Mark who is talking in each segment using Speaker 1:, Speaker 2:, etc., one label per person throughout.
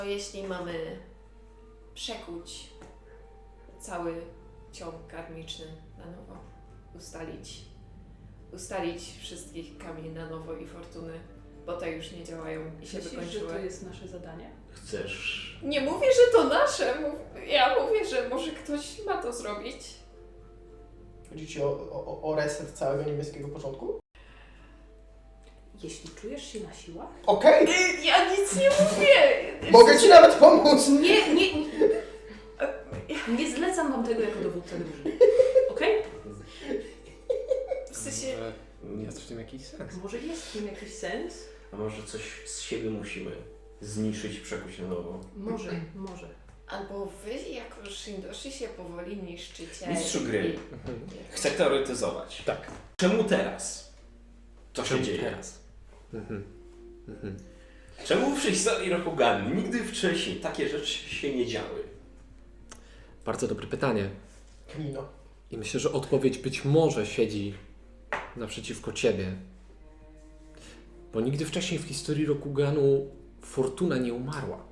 Speaker 1: Jeśli mamy przekuć cały ciąg karmiczny na nowo, ustalić wszystkich kamieni na nowo i fortuny, bo te już nie działają i się
Speaker 2: Myślisz,
Speaker 1: wykończyły.
Speaker 2: że to jest nasze zadanie?
Speaker 3: Chcesz...
Speaker 1: Nie mówię, że to nasze. Ja mówię, że może ktoś ma to zrobić.
Speaker 4: Chodzi ci o reset całego niebieskiego porządku?
Speaker 2: Jeśli czujesz się na siłach?
Speaker 4: Okej!
Speaker 1: Ja nic nie mówię.
Speaker 4: Mogę ci nawet pomóc!
Speaker 2: Nie zlecam wam tego jako dowódca drużyny. Okej?
Speaker 1: W sensie...
Speaker 3: Może jest w tym jakiś sens.
Speaker 2: Może jest w tym jakiś sens?
Speaker 3: A może coś z siebie musimy zniszczyć, przekuć na nowo.
Speaker 2: Może.
Speaker 1: Albo wy jako Shindoshi się powoli niszczycie.
Speaker 3: Mistrzu gry, chcę teoretyzować.
Speaker 5: Tak.
Speaker 3: Czemu teraz to się
Speaker 5: Czemu
Speaker 3: dzieje?
Speaker 5: teraz?
Speaker 3: Czemu w historii Rokugan nigdy wcześniej takie rzeczy się nie działy?
Speaker 5: Bardzo dobre pytanie.
Speaker 4: Knino.
Speaker 5: I myślę, że odpowiedź być może siedzi naprzeciwko ciebie. Bo nigdy wcześniej w historii Rokuganu Fortuna nie umarła.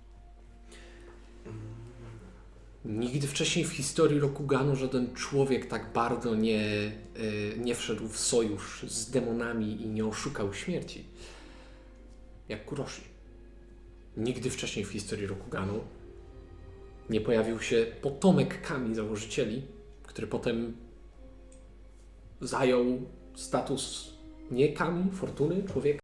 Speaker 5: Nigdy wcześniej w historii Rokuganu żaden człowiek tak bardzo nie wszedł w sojusz z demonami i nie oszukał śmierci jak Kuroshi. Nigdy wcześniej w historii Rokuganu nie pojawił się potomek Kami założycieli, który potem zajął status nie Kami, Fortuny, człowieka,